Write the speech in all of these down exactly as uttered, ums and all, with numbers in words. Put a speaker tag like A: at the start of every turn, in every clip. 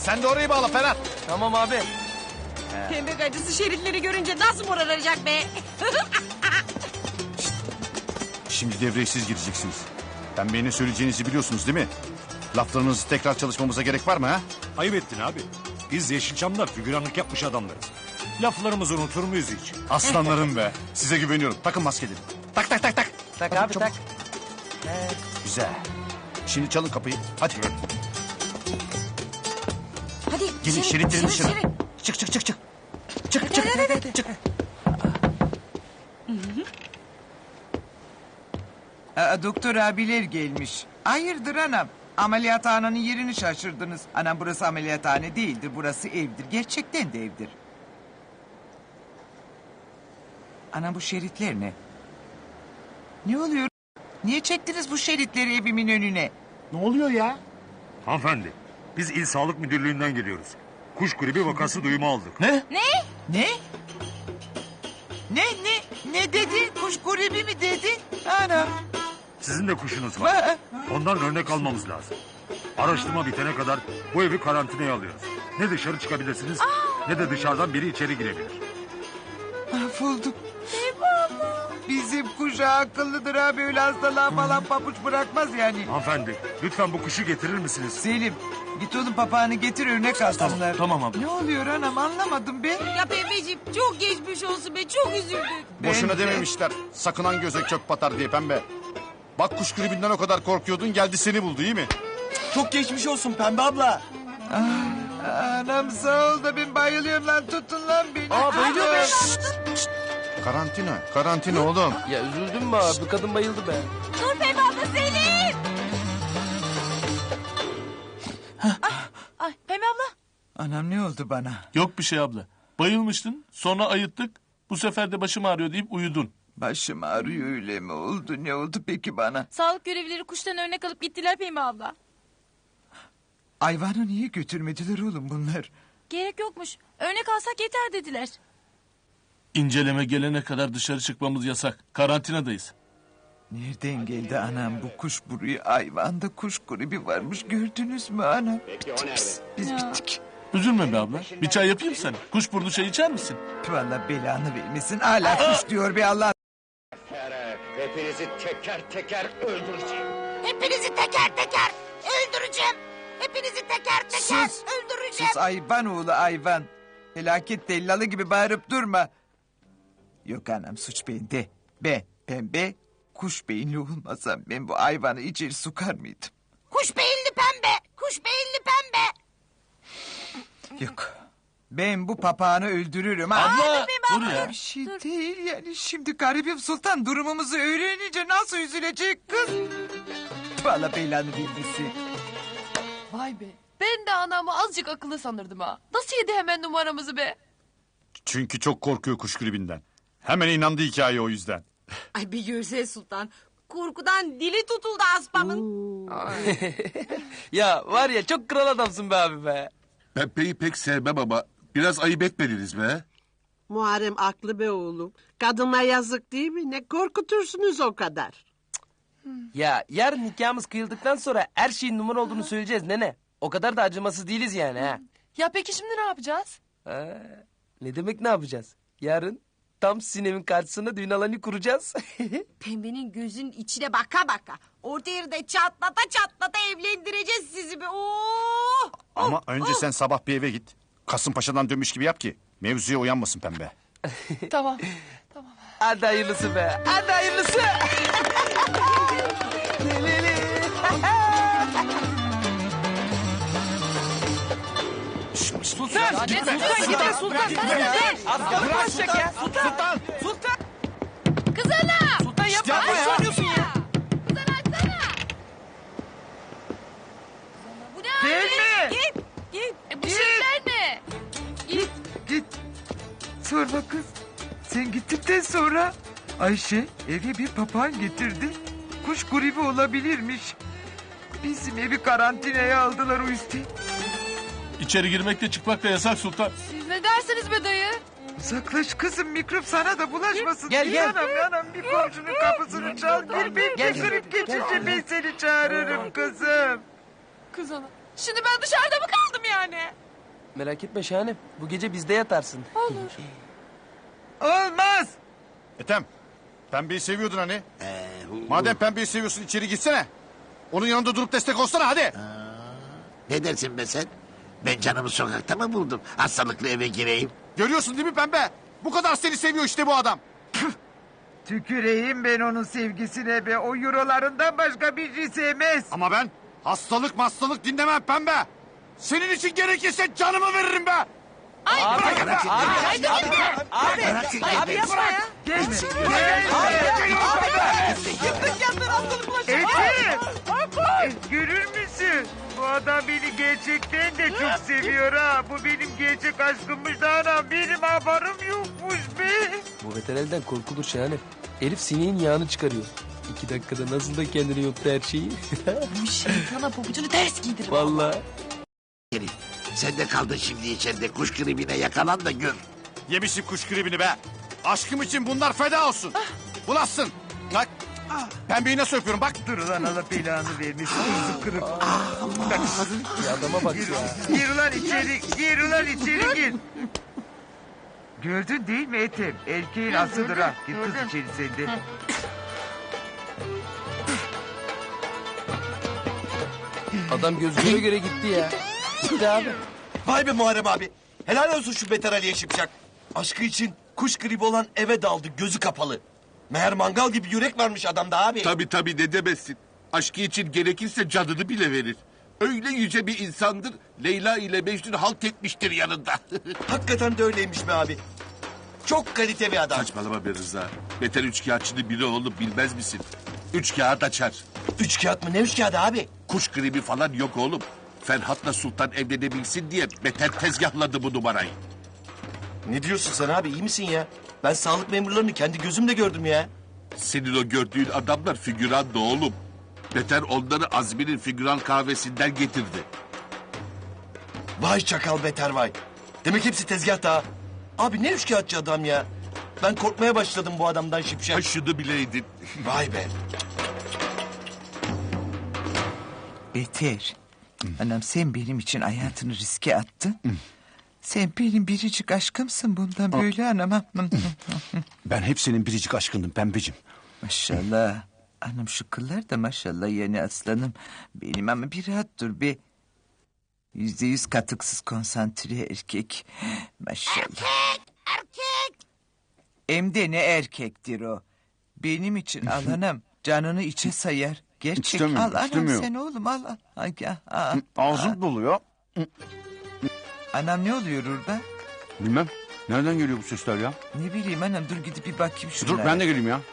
A: Sen de orayı bağla Ferhat.
B: Tamam abi.
C: Pembe gacısı şeritleri görünce nasıl moraracak be?
A: Şimdi devreye siz gireceksiniz. Pembeye ne söyleyeceğinizi biliyorsunuz değil mi? Laflarınızı tekrar çalışmamıza gerek var mı ha?
D: Ayıp ettin abi. Biz Yeşilçam'da figüranlık yapmış adamlarız. Laflarımızı unutur muyuz hiç?
A: Aslanlarım be. Size güveniyorum. Takın maskeleri. Tak tak tak tak.
B: Tak
A: Hadi
B: abi
A: çabuk.
B: tak.
A: Güzel. Şimdi çalın kapıyı. Hadi.
C: Hadi
A: Gelin
C: şerit,
A: şeritlerin
C: şerit,
A: dışına.
C: şerit.
A: Çık çık çık çık. Çık çık.
C: hadi, hadi.
A: Çık.
E: Aa, doktor abiler gelmiş. Hayırdır anam? Ameliyathanenin yerini şaşırdınız. Anam burası ameliyathane değildir. Burası evdir. Gerçekten de evdir. Anam bu şeritler ne? Ne oluyor? Niye çektiniz bu şeritleri evimin önüne?
A: Ne oluyor ya?
D: Hanımefendi, biz İl Sağlık Müdürlüğü'nden geliyoruz. Kuş gribi vakası duyumu aldık.
A: Ne?
E: Ne? Ne ne? Ne dedi? Kuş gribi mi dedi? Anam.
D: Sizin de kuşunuz var.
E: Ba-
D: Ondan örnek almamız lazım. Araştırma bitene kadar bu evi karantinaya alıyoruz. Ne dışarı çıkabilirsiniz ne de dışarıdan biri içeri girebilir.
E: Mahvolduk. Bizim kuş akıllıdır abi. Öyle hastalığa falan pabuç bırakmaz yani.
D: Hanımefendi, lütfen bu kuşu getirir misiniz?
E: Selim git oğlum papağanı getir örnek alsınlar.
A: Tamam abi.
E: Ne oluyor anam anlamadım be.
C: Ya Pembeciğim çok geçmiş olsun be, çok üzüldük.
A: Boşuna
E: Ben de-
A: dememişler. Sakınan göze kök batar diye Pembe. Bak kuş gribinden o kadar korkuyordun, geldi seni buldu, iyi mi?
B: Çok geçmiş olsun Pembe abla.
E: Anam sağ ol da ben bayılıyorum lan, tutun lan beni.
B: Aa bayılıyor be.
A: Karantina, karantina oğlum.
B: Ya üzüldün mü abi? Kadın bayıldı be.
C: Dur Pembe abla, Selim. Ay Pembe abla.
E: Anam ne oldu bana?
F: Yok bir şey abla. Bayılmıştın, sonra ayıttık. Bu sefer de başım ağrıyor deyip uyudun.
E: Başım ağrıyor öyle mi oldu? Ne oldu peki bana?
C: Sağlık görevlileri kuştan örnek alıp gittiler Pembe abla.
E: Ayvanı niye götürmediler oğlum bunlar?
C: Gerek yokmuş. Örnek alsak yeter dediler.
F: İnceleme gelene kadar dışarı çıkmamız yasak. Karantinadayız.
E: Nereden geldi anam bu kuş buraya? Ayvanda kuş gribi varmış, gördünüz mü anam? Pis, biz bittik.
F: Üzülme be abla. Bir çay yapayım sana. Kuşburnu çay içer misin?
E: Vallahi belanı vermesin. Hala kuş diyor be Allah.
G: Hepinizi teker teker öldüreceğim.
C: Hepinizi teker teker öldüreceğim. Hepinizi teker teker
E: Sus.
C: öldüreceğim.
E: Sus ayvan oğlu ayvan. Felaket tellalı gibi bağırıp durma. Yok anam, suç bende. Ben pembe kuş beyinli olmasam ben bu hayvanı içeri sokar mıydım?
C: Kuş beyinli pembe. Kuş beyinli pembe.
E: Yok. Ben bu papağanı öldürürüm. ha.
F: Abla dur ya.
E: Bir şey değil yani, şimdi garibim sultan durumumuzu öğrenince nasıl üzülecek kız? Vallahi belanı bilmesi.
H: Vay be. Ben de anamı azıcık akıllı sanırdım ha. Nasıl yedi hemen numaramızı be?
A: Çünkü çok korkuyor kuş gribinden. Hemen inandı hikaye o yüzden.
C: Ay bir görse sultan. Korkudan dili tutuldu aspamın.
B: Ya var ya çok kral adamsın be abi be.
I: Pembe'yi pek sevmem ama biraz ayıp etmediniz be.
J: Muharrem aklı be oğlum. Kadına yazık değil mi? Ne korkutursunuz o kadar.
B: Ya yarın nikahımız kıyıldıktan sonra her şeyin numara olduğunu söyleyeceğiz nene. O kadar da acımasız değiliz yani ha.
H: Ya peki şimdi ne yapacağız?
B: Ha, ne demek ne yapacağız? Yarın tam sinemin karşısına düğün alanı kuracağız.
C: Pembenin gözünün içine baka baka. Orta yerde çatlata çatlata evlendireceğiz sizi be. Oo!
A: Ama önce sen sabah bir eve git. Kasımpaşa'dan dönmüş gibi yap ki mevzuya uyanmasın Pembe.
H: Tamam.
B: Hadi hayırlısı be. Hadi hayırlısı. Le, le, le. Sultan.
H: Ya ne sultan gitme sultan.
B: Aslanı bırakacak ya. Sultan. Sultan.
H: Kız ana.
B: Sultan yapma.
H: Yapma ya.
B: Ne söylüyorsun ya?
H: Kız ana açsana.
C: Bu ne abi?
E: Gelme.
C: Git. Git.
H: E bu şeyler ne?
E: Git git. Sorma kız. Sen gittikten sonra Ayşe eve bir papağan getirdi. Kuş gribi olabilirmiş. Bizim evi karantinaya aldılar o yüzden.
F: İçeri girmek de çıkmak da yasak sultan.
H: Siz ne dersiniz be dayı?
E: Uzaklaş kızım, mikrop sana da bulaşmasın.
B: Gel,
E: Bir
B: gel.
E: Anam anam bir komşunun kapısını çal. Bir bir
B: Gel,
E: bir grip geçince ben seni çağırırım kızım.
H: Kız ana. Şimdi ben dışarıda mı kaldım yani?
B: Merak etme Şahanem. Bu gece bizde yatarsın.
H: Olur.
E: Olmaz.
A: Ethem, pembeyi seviyordun hani. Madem pembeyi seviyorsun içeri gitsene. Onun yanında durup destek olsana hadi.
K: Ne dersin be sen? Ben canımı sokakta mı buldum? Hastalıklı eve gireyim.
A: Görüyorsun değil mi pembe? Bu kadar seni seviyor işte bu adam.
E: Tüküreyim ben onun sevgisine be. O eurolarından başka bir şey sevmez.
A: Ama ben hastalık hastalık dinlemem pembe. Senin için gerekirse canımı veririm be.
H: Ay,
B: Abi,
H: bırak,
B: abi,
H: abi,
B: abi,
H: abi,
B: abi,
K: Bırak
B: abi,
K: seni
B: abi
K: be.
B: yapma ya.
E: Gelme.
B: Yıktık yandın hastalık
E: Etim. E, görür müsün? Bu adam beni gerçekten de çok seviyor ha. Bu benim gerçek aşkımmış da anam. Benim haberim yokmuş be.
B: Bu veterelden korkulur Şahanem. Herif sineğin yağını çıkarıyor. İki dakikada nasıl da kendini yuttu her şeyi.
H: Bu şeytana pabucunu ters giydirir.
B: Vallahi.
K: Herif, sen de kaldın şimdi içeride. Kuş gribine yakalan da gör.
A: Yemişim kuş gribini be. Aşkım için bunlar feda olsun. Bulasın. Bak. Pembeyi nasıl öpüyorum bak.
E: Dur ulan Allah belanı vermiş. Kızı kırık.
B: Ya adama bak ya.
E: Gir ulan içeri. Gir ulan içeri gir. Gördün değil mi Ethem? Erkeğin asıdır ha. Git kız içeri sen de.
B: Adam göz göre göre gitti ya. Gitti abi.
L: Vay be Muharrem abi. Helal olsun şu Beter Ali'ye Şipşak. Aşkı için kuş gribi olan eve daldı gözü kapalı. Meğer mangal gibi yürek varmış adamda abi.
I: Tabii tabii ne demezsin. Aşkı için gerekirse canını bile verir. Öyle yüce bir insandır. Leyla ile Mecnun halt etmiştir yanında.
L: Hakikaten de öyleymiş be abi. Çok kalite bir adam.
I: Saçmalama be Rıza. Beter üçkağıtçının biri olup bilmez misin? Üç kağıt açar.
L: Üç kağıt mı? Ne üç kağıdı abi?
I: Kuş gribi falan yok oğlum. Ferhat'la Sultan evlenebilsin diye Beter tezgahladı bu numarayı.
L: Ne diyorsun sen abi? İyi misin ya? Ben sağlık memurlarını kendi gözümle gördüm ya.
I: Senin o gördüğün adamlar figüran da oğlum. Beter onları Azmi'nin figüran kahvesinden getirdi.
L: Vay çakal Beter vay. Demek hepsi tezgahta ha. Abi ne üç kağıtçı adam ya. Ben korkmaya başladım bu adamdan Şipşak.
I: Ha şunu bileydin.
L: Vay be.
E: Beter. Anam sen benim için hayatını riske attın. Sen benim biricik aşkımsın bundan böyle anam.
A: Ben hep senin biricik aşkındım pembeciğim.
E: Maşallah. Anam şu kıllar da maşallah yani aslanım. Benim ama bir rahat dur be. Yüzde yüz katıksız konsantre erkek. Maşallah.
C: Erkek, erkek.
E: Hem de ne erkektir o. Benim için al anam. Canını içe sayar. Gerçek
A: İstemiyorum,
E: al anam
A: istemiyorum.
E: sen oğlum al. al. Ay, ya, aa,
A: Ağzım doluyor.
E: Anam ne oluyor orada?
A: Bilmem. Nereden geliyor bu sesler ya?
E: Ne bileyim anam dur gidip bir bakayım şunlara.
A: Dur ben de geleyim ya.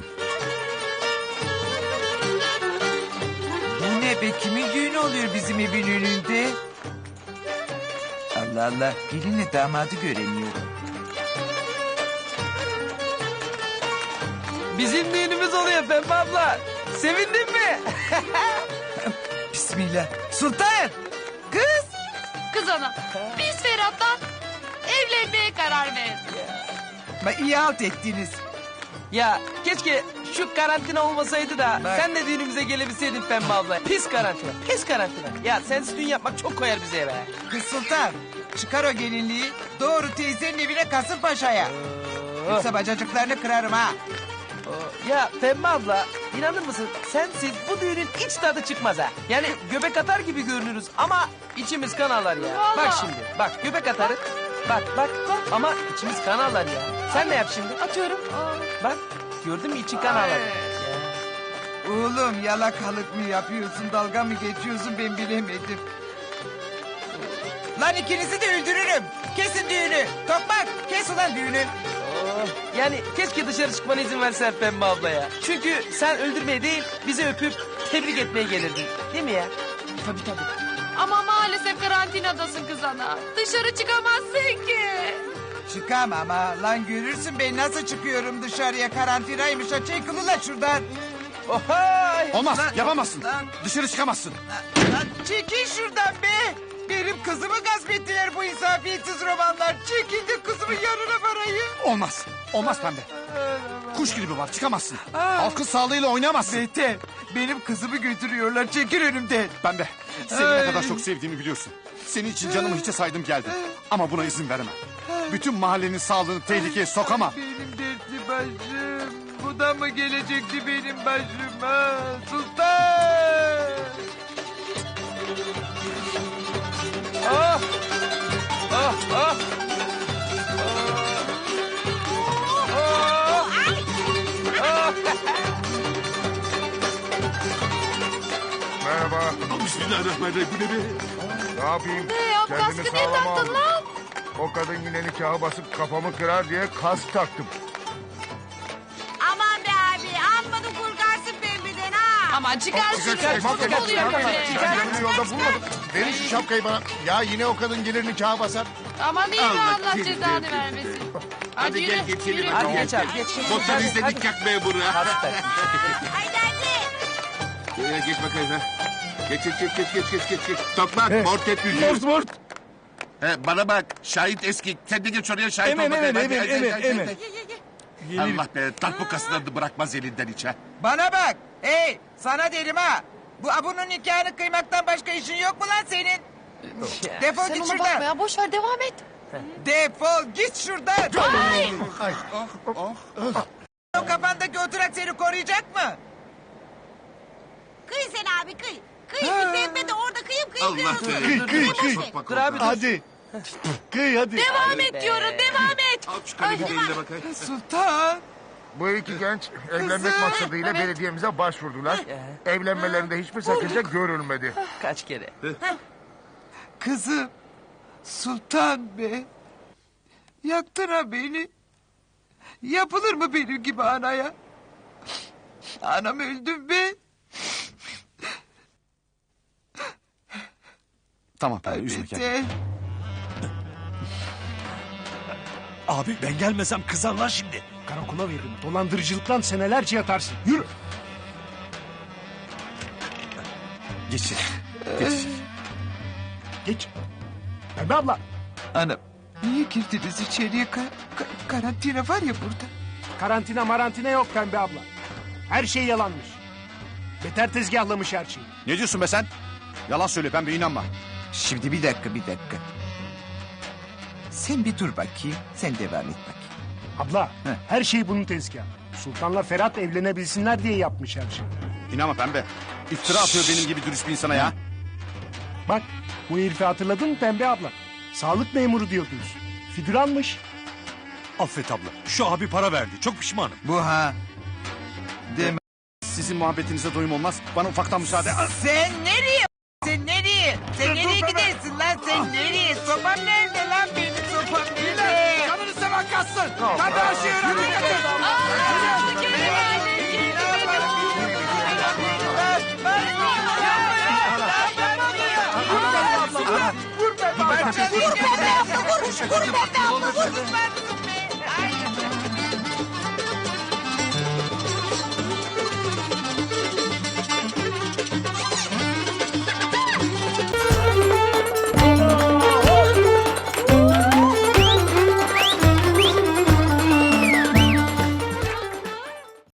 E: Bu ne be kimin düğünü oluyor bizim evin önünde? Allah Allah gelinle damadı göremiyorum.
B: Bizim düğünümüz oluyor Pembe abla. Sevindin mi?
E: Bismillah. Sultan! Kız!
H: Kız ana, biz Ferhat'tan evlenmeye karar verdik.
E: Ma iyi halt ettiniz.
B: Ya keşke şu karantina olmasaydı da
E: Bak.
B: sen de düğünümüze gelebilseydin Pembe abla. Pis karantina, pis karantina. Ya sensiz düğün yapmak çok koyar bize eve.
E: Kız Sultan çıkar o gelinliği doğru teyzenin evine Kasımpaşa'ya. Yoksa bacacıklarını kırarım ha.
B: Ya Pembe abla inanır mısın sensiz bu düğünün hiç tadı çıkmaz ha. Yani göbek atar gibi görünürüz ama içimiz kan ağlar ya.
H: Vallahi.
B: Bak şimdi bak göbek atarız. Bak bak ama içimiz kan ağlar ya. Sen ne yap şimdi?
H: Atıyorum. Aa.
B: Bak gördün mü için kan ağlar. Ya.
E: Oğlum yalakalık mı yapıyorsun dalga mı geçiyorsun ben bilemedim. Lan ikinizi de öldürürüm. Kesin düğünü. Tokmak kes ulan düğünü.
B: Oh, yani keşke dışarı çıkmana izin versen Pembe abla ya. Çünkü sen öldürmeye değil bizi öpüp tebrik etmeye gelirdin. Değil mi ya?
H: Tabii tabii. Ama maalesef karantinadasın kız ana. Dışarı çıkamazsın ki.
E: Çıkamam ha. Lan görürsün ben nasıl çıkıyorum dışarıya karantinaymış. Ha çekil ulan şuradan.
B: Ohay!
A: Olmaz
E: Lan-
A: yapamazsın.
E: lan-
A: Dışarı çıkamazsın.
E: Lan çekil şuradan be. Benim kızımı gasp ettiler bu insafiyetsiz romanlar. Çekil de kızımın yanına varayım.
A: Olmaz. Olmaz pembe. Kuş gribi var çıkamazsın. Halkın sağlığıyla oynamazsın.
E: Beter, benim kızımı götürüyorlar. Çekil önümden.
A: Ben de seni ne kadar çok sevdiğimi biliyorsun. Senin için canımı hiçe saydım geldim. Ama buna izin veremem. Bütün mahallenin sağlığını tehlikeye sokamam.
E: Benim dertli başım. Bu da mı gelecekti benim başıma? Sultan!
B: Ah! Ah! Ah!
D: Merhaba.
I: Bismillahirrahmanirrahim. Bu ne be?
D: Ne yapayım?
H: Ne ya
D: Kendimi
H: kaskı niye
D: sağlama
H: taktın
D: aldım.
H: lan?
D: O kadın yine nikaha basıp kafamı kırar diye kask taktım.
C: Aman be abi amma da kurgarsın pembeden ha.
H: Aman çıkar şunu.
D: Çıkar,
H: Çok
D: çıkar,
H: oluyor
D: çıkar,
H: böyle.
D: çıkar. Ben yolda bulmadım. Verin şu şapkayı bana. Ya yine o kadın gelir nikaha basar.
H: Aman iyi be
I: Allah
H: Allah
I: seni
H: cezanı
I: versin.
H: vermesin.
I: Hadi
H: yürü,
I: gel geçelim.
H: yürü.
B: Hadi geç abi geç geç.
I: Motor izledik yak memuru.
B: Hadi takmış.
C: Haydi hadi.
I: Ya geç bakayım ha. Geç geç geç geç geç geç geç. geç. Topla mort et yüzüğü.
F: Mort mort.
I: He, bana bak şahit eski. Sen de geç oraya şahit
F: Emin,
I: ol bakayım.
F: emin,
I: Hadi,
F: emin,
I: hadi,
F: emin,
I: hadi,
F: emin.
I: hadi. Allah be darpukasından da bırakmaz elinden hiç ha.
E: Bana bak. Hey, sana derim ha. Bu abunun nikahını kıymaktan başka işin yok mu lan senin? Defol
H: Sen
E: git
H: ona bakma
E: şuradan.
H: ya boş ver devam et.
E: Defol git şuradan.
H: Ay.
E: O kafandaki oturak seni koruyacak mı?
C: Kıy sen abi kıy. Kıy bir pembe de orada kıyıp kıyıp
I: Allah
C: kıyıyorsun.
I: be. Kıy kıy
C: kıy.
B: Dur abi dur.
F: Hadi. Kıy hadi.
H: Devam et diyorum devam et.
I: Al şu kalemi de eline bakayım.
E: Sultan.
D: Bu iki genç evlenmek maksadıyla
H: Evet.
D: belediyemize başvurdular. Evlenmelerinde hiçbir sakınca görülmedi.
B: Kaç kere.
E: Kızım. Sultan be. Yaktın ha beni. Yapılır mı benim gibi anaya? Anam öldüm be.
A: Tamam Pembe üzme kendini.
E: Beter.
M: Abi ben gelmesem kızarlar şimdi. Karakola veririm. Dolandırıcılıktan senelerce yatarsın. Yürü.
A: Geç içeri. Geç içeri.
M: Geç. Pembe abla.
E: Anam niye girdiniz içeriye? Ka- ka- karantina var ya burada.
M: Karantina marantina yok Pembe abla. Her şey yalanmış. Beter tezgahlamış her şeyi.
A: Ne diyorsun be sen? Yalan söyle Pembe inanma.
E: Şimdi bir dakika bir dakika. Sen bir dur bakayım. Sen devam et bakayım.
M: Abla her şey bunun tezgahı. Sultan'la Ferhat evlenebilsinler diye yapmış her şeyi.
A: İnanma Pembe. İftira atıyor benim gibi dürüst bir insana ya.
M: Bak bu herifi hatırladın mı Pembe abla? Sağlık memuru diyordunuz. Figüranmış. Affet abla. Şu abi para verdi. Çok pişmanım.
E: Bu ha. Deme.
A: Sizin muhabbetinize doyum olmaz. Bana ufaktan müsaade.
E: Sen nereye? Sen nereye? Sen nereye gidersin lan? Sen nereye? Sopam nerede lan benim sopam nerede? Canını seven kaçsın. Hadi aşağı hadi kaçın.
H: Aa, geri geldi, geri
E: Vur be abla vur. Vur be abla vur. Vur be abla vur.